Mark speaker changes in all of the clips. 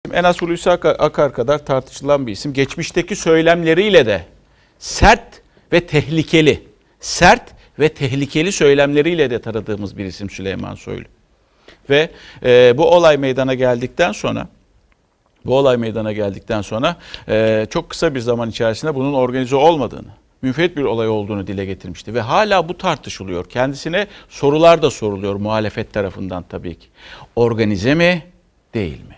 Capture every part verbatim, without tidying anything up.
Speaker 1: En az Hulusi Akar kadar tartışılan bir isim. Geçmişteki söylemleriyle de sert ve tehlikeli, sert ve tehlikeli söylemleriyle de tanıdığımız bir isim Süleyman Soylu. Ve e, bu olay meydana geldikten sonra, bu olay meydana geldikten sonra e, çok kısa bir zaman içerisinde bunun organize olmadığını, münferit bir olay olduğunu dile getirmişti. Ve hala bu tartışılıyor. Kendisine sorular da soruluyor muhalefet tarafından tabii ki. Organize mi, değil mi?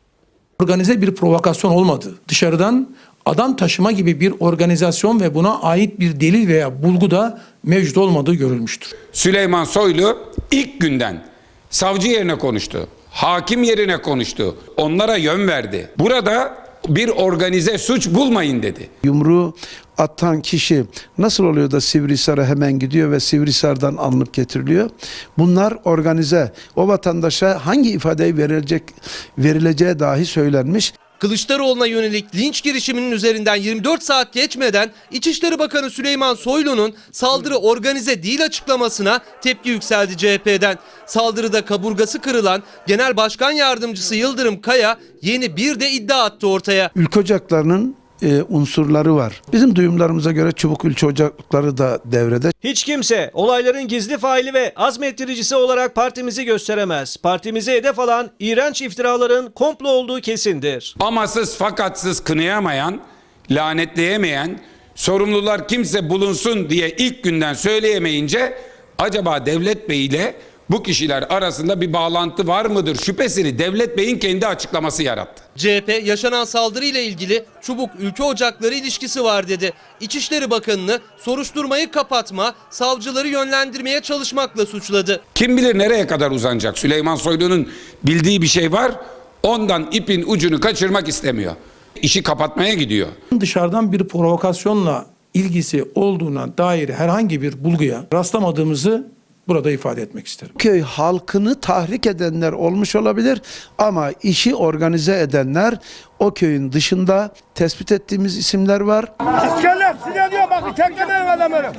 Speaker 2: Organize bir provokasyon olmadı. Dışarıdan adam taşıma gibi bir organizasyon ve buna ait bir delil veya bulgu da mevcut olmadığı görülmüştür.
Speaker 3: Süleyman Soylu ilk günden savcı yerine konuştu, hakim yerine konuştu, onlara yön verdi. Burada bir organize suç bulmayın dedi.
Speaker 4: Yumruğu atan kişi nasıl oluyor da Sivrihisar'a hemen gidiyor ve Sivrihisar'dan alınıp getiriliyor? Bunlar organize. O vatandaşa hangi ifadeyi verilecek, verileceği dahi söylenmiş.
Speaker 5: Kılıçdaroğlu'na yönelik linç girişiminin üzerinden yirmi dört saat geçmeden İçişleri Bakanı Süleyman Soylu'nun saldırı organize değil açıklamasına tepki yükseldi C H P'den. Saldırıda kaburgası kırılan Genel Başkan Yardımcısı Yıldırım Kaya yeni bir de iddia attı ortaya.
Speaker 4: Ülke ocaklarının e, unsurları var. Bizim duyumlarımıza göre Çubuk Ülke Ocakları da devrede.
Speaker 6: Hiç kimse olayların gizli faili ve azmettiricisi olarak partimizi gösteremez. Partimize hedef alan iğrenç iftiraların komplo olduğu kesindir.
Speaker 3: Amasız fakatsız kınayamayan, lanetleyemeyen, sorumlular kimse bulunsun diye ilk günden söyleyemeyince acaba Devlet Bey ile bu kişiler arasında bir bağlantı var mıdır şüphesini Devlet Bey'in kendi açıklaması yarattı.
Speaker 5: C H P yaşanan saldırıyla ilgili Çubuk Ülke Ocakları ilişkisi var dedi. İçişleri Bakanı'nı soruşturmayı kapatma, savcıları yönlendirmeye çalışmakla suçladı.
Speaker 3: Kim bilir nereye kadar uzanacak? Süleyman Soylu'nun bildiği bir şey var, ondan ipin ucunu kaçırmak istemiyor. İşi kapatmaya gidiyor.
Speaker 2: Dışarıdan bir provokasyonla ilgisi olduğuna dair herhangi bir bulguya rastlamadığımızı burada ifade etmek isterim.
Speaker 4: Köy halkını tahrik edenler olmuş olabilir ama işi organize edenler o köyün dışında tespit ettiğimiz isimler var.
Speaker 7: Askerler size diyor bak teklemeyin adamları.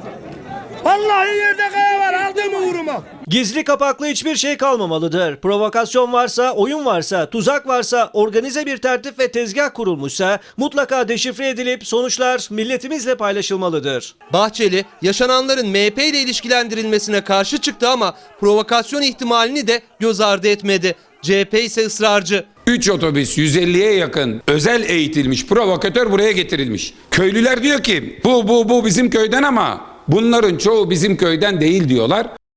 Speaker 7: Vallahi yerde kaya var aldığımı vurma.
Speaker 6: Gizli kapaklı hiçbir şey kalmamalıdır. Provokasyon varsa, oyun varsa, tuzak varsa, organize bir tertip ve tezgah kurulmuşsa mutlaka deşifre edilip sonuçlar milletimizle paylaşılmalıdır.
Speaker 5: Bahçeli yaşananların M H P ile ilişkilendirilmesine karşı çıktı ama provokasyon ihtimalini de göz ardı etmedi. C H P ise ısrarcı.
Speaker 3: üç otobüs yüz elliye yakın özel eğitilmiş provokatör buraya getirilmiş. Köylüler diyor ki bu bu bu bizim köyden ama bunların çoğu bizim köyden değil diyorlar.